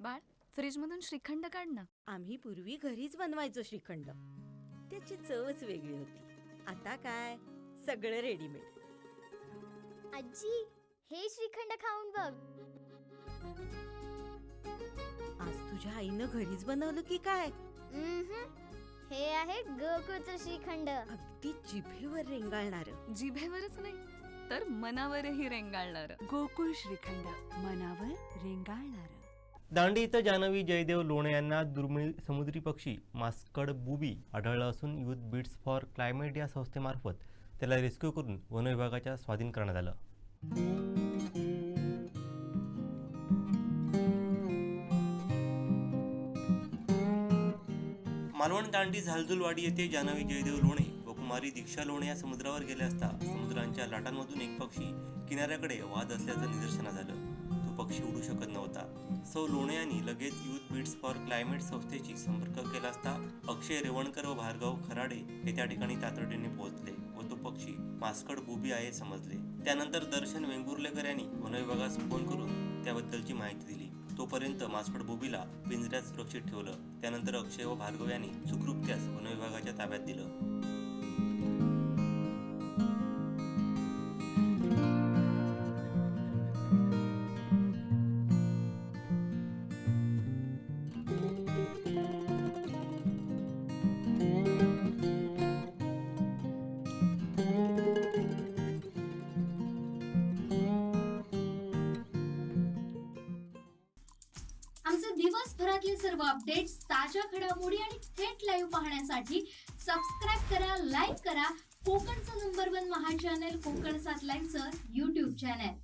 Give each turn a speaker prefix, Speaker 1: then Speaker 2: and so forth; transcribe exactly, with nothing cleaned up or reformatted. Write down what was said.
Speaker 1: बाळ, फ्रीजमधून श्रीखंड काढ ना.
Speaker 2: आम्ही पूर्वी घरीच बनवायचो श्रीखंड. त्याची चवच वेगळी होती. आता काय सगळं रेडीमेड.
Speaker 3: आजी, हे श्रीखंड खाऊन बघ.
Speaker 2: आज तुझ्या आईनं घरीच बनवलं की काय?
Speaker 3: उम्हम. हे आहे गोकुळचं श्रीखंड.
Speaker 2: अगदी जिभेवर रेंगाळणार.
Speaker 1: जिभेवरच नाही तर मनावरही रेंगाळणार.
Speaker 4: गोकुळ श्रीखंड, मनावर रेंगाळणार.
Speaker 5: दांडी इथं जान्हवी जयदेव लोणे यांना दुर्मिळ समुद्री पक्षी मास्कड बुबी आढळलं असून युथ बीट्स फॉर क्लायमेट या संस्थेमार्फत त्याला रेस्क्यू करून वन विभागाच्या स्वाधीन करण्यात आलं. मालवण दांडी झालझुलवाडी येथे जान्हवी जयदेव लोणे व कुमारी दीक्षा लोणे या समुद्रावर गेले असता समुद्रांच्या लाटांमधून एक पक्षी किनाऱ्याकडे वाहत असल्याचं निदर्शनास आलं. तो पक्षी उडू शकत नव्हता. सौ लोणे यांनी लगेच युथ बीट्स फॉर क्लायमेट संस्थेशी संपर्क केला असता अक्षय रेवणकर व भार्गव खराडे हे त्या ठिकाणी तातडीने पोहोचले व तो पक्षी मास्कड बुबी आहे समजले. त्यानंतर दर्शन वेंगुर्लेकर यांनी वन विभागास फोन करून त्याबद्दलची माहिती दिली. तोपर्यंत मास्कड बुबीला पिंजऱ्यात सुरक्षित ठेवलं. त्यानंतर अक्षय व भार्गव यांनी सुखरूप त्यास वन विभागाच्या ताब्यात दिलं.
Speaker 6: आमचे दिवसभरातले सर्व अपडेट्स, ताज्या घडामोडी आणि थेट लाईव्ह पाहण्यासाठी सबस्क्राईब करा, लाईक करा कोकणचं नंबर वन महा चॅनल कोकण सात लाईव्हचं यूट्यूब चॅनल.